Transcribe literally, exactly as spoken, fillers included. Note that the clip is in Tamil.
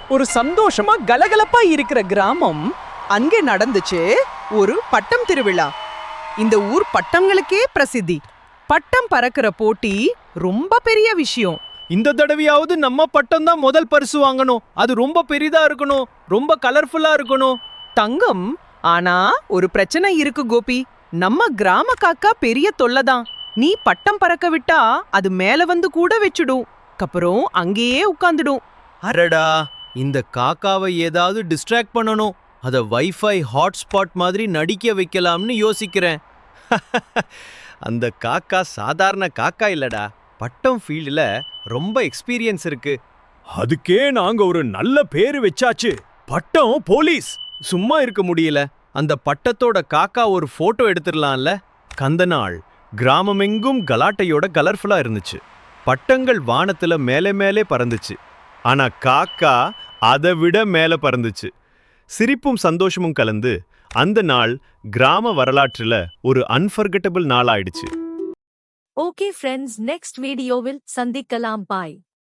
ஒரு சந்தோஷமா கலகலப்பா இருக்கிற கிராமம் அங்கே நடந்துச்சு ஒரு பட்டம் திருவிழா. இந்த ஊர் பட்டங்களுக்கே பிரசித்தி. பட்டம் பறக்கிற போட்டி ரொம்ப பெரிய விஷயம். இந்த தடவையாவது நம்ம பட்டம் தான் முதல் பரிசு வாங்கணும். அது ரொம்ப பெரிதா இருக்கணும், ரொம்ப கலர்ஃபுல்லா இருக்கணும். தங்கம், ஆனா ஒரு பிரச்சனை இருக்கு கோபி. நம்ம கிராம காக்கா பெரிய தொல்லதான். நீ பட்டம் பறக்க விட்டா அது மேல வந்து கூட வச்சுடும். அப்புறம் அங்கேயே உட்கார்ந்துடும். அரடா, இந்த காக்காவை ஏதாவது டிஸ்ட்ராக்ட் பண்ணணும். அத வைஃபை ஹாட்ஸ்பாட் மாதிரி நடிக்க வைக்கலாம்னு யோசிக்கிறேன். அந்த காக்கா சாதாரண காக்கா இல்லடா, பட்டம் ஃபீல்டுல ரொம்ப எக்ஸ்பீரியன்ஸ் இருக்கு. அதுக்கே நாங்க ஒரு நல்ல பேரு வச்சாச்சு, பட்டம் போலீஸ். சும்மா இருக்க முடியல. அந்த பட்டத்தோட காக்கா ஒரு போட்டோ எடுத்துடலாம்ல. கந்த நாள் கிராமமெங்கும் கலாட்டையோட கலர்ஃபுல்லா இருந்துச்சு. பட்டங்கள் வானத்துல மேலே மேலே பறந்துச்சு. ஆனா காக்கா அதை விட மேல பறந்துச்சு. சிரிப்பும் சந்தோஷமும் கலந்து அந்த நாள் கிராம வரலாற்றுல ஒரு அன்ஃபர்கெட்டபிள் நாள் ஆயிடுச்சு. ஓகே ஃப்ரெண்ட்ஸ், நெக்ஸ்ட் வீடியோவில் சந்திக்கலாம். பாய்.